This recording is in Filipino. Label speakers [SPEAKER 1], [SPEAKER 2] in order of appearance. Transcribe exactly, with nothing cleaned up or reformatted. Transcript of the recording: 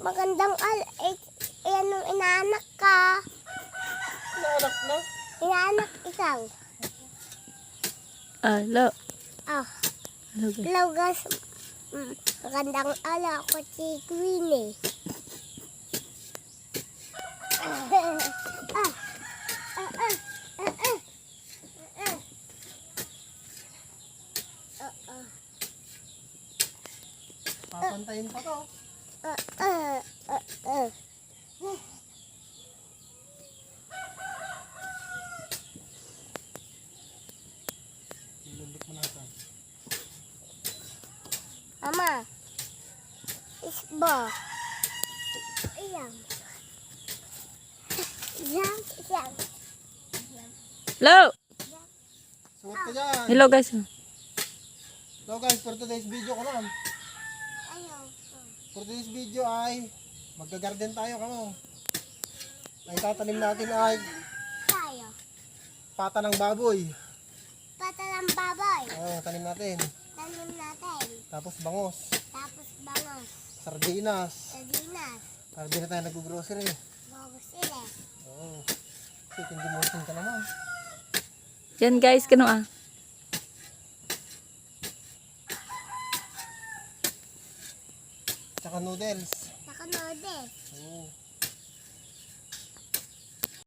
[SPEAKER 1] Magandang al... Eh, eh anong inaanak ka?
[SPEAKER 2] Naanak na?
[SPEAKER 1] Inaanak ikaw.
[SPEAKER 3] Alo.
[SPEAKER 1] Oh,
[SPEAKER 3] Hello guys.
[SPEAKER 1] hello guys. Mm, magandang ala ako si Queenie. Ah, ah, ah, ah, ah, ah. Ah, ah.
[SPEAKER 2] Papantayin pa to.
[SPEAKER 1] Ah, ah, ah, ah.
[SPEAKER 2] Ilundok mo natin.
[SPEAKER 1] Mama, isbo. Ayan. Ayan, ayan.
[SPEAKER 3] Hello.
[SPEAKER 2] Suot ka dyan.
[SPEAKER 3] Hello guys.
[SPEAKER 2] So guys, for today's video ko lang.
[SPEAKER 1] Ayaw.
[SPEAKER 2] For today's video ay magga-garden tayo kamo. Ang tatanim natin ay
[SPEAKER 1] Tayo.
[SPEAKER 2] pata ng baboy.
[SPEAKER 1] Pata ng baboy.
[SPEAKER 2] Oh, tanim natin.
[SPEAKER 1] Tanim natin.
[SPEAKER 2] Tapos bangos,
[SPEAKER 1] Tapos bangos.
[SPEAKER 2] sardinas.
[SPEAKER 1] Sardinas.
[SPEAKER 2] Para di na tayo nag-grocery.
[SPEAKER 1] Bangos sila.
[SPEAKER 2] Oo. Kasi hindi mo ka naman.
[SPEAKER 3] Yan guys, kano ah.
[SPEAKER 2] Tsaka noodles.
[SPEAKER 1] Saka noodles.
[SPEAKER 2] Oo.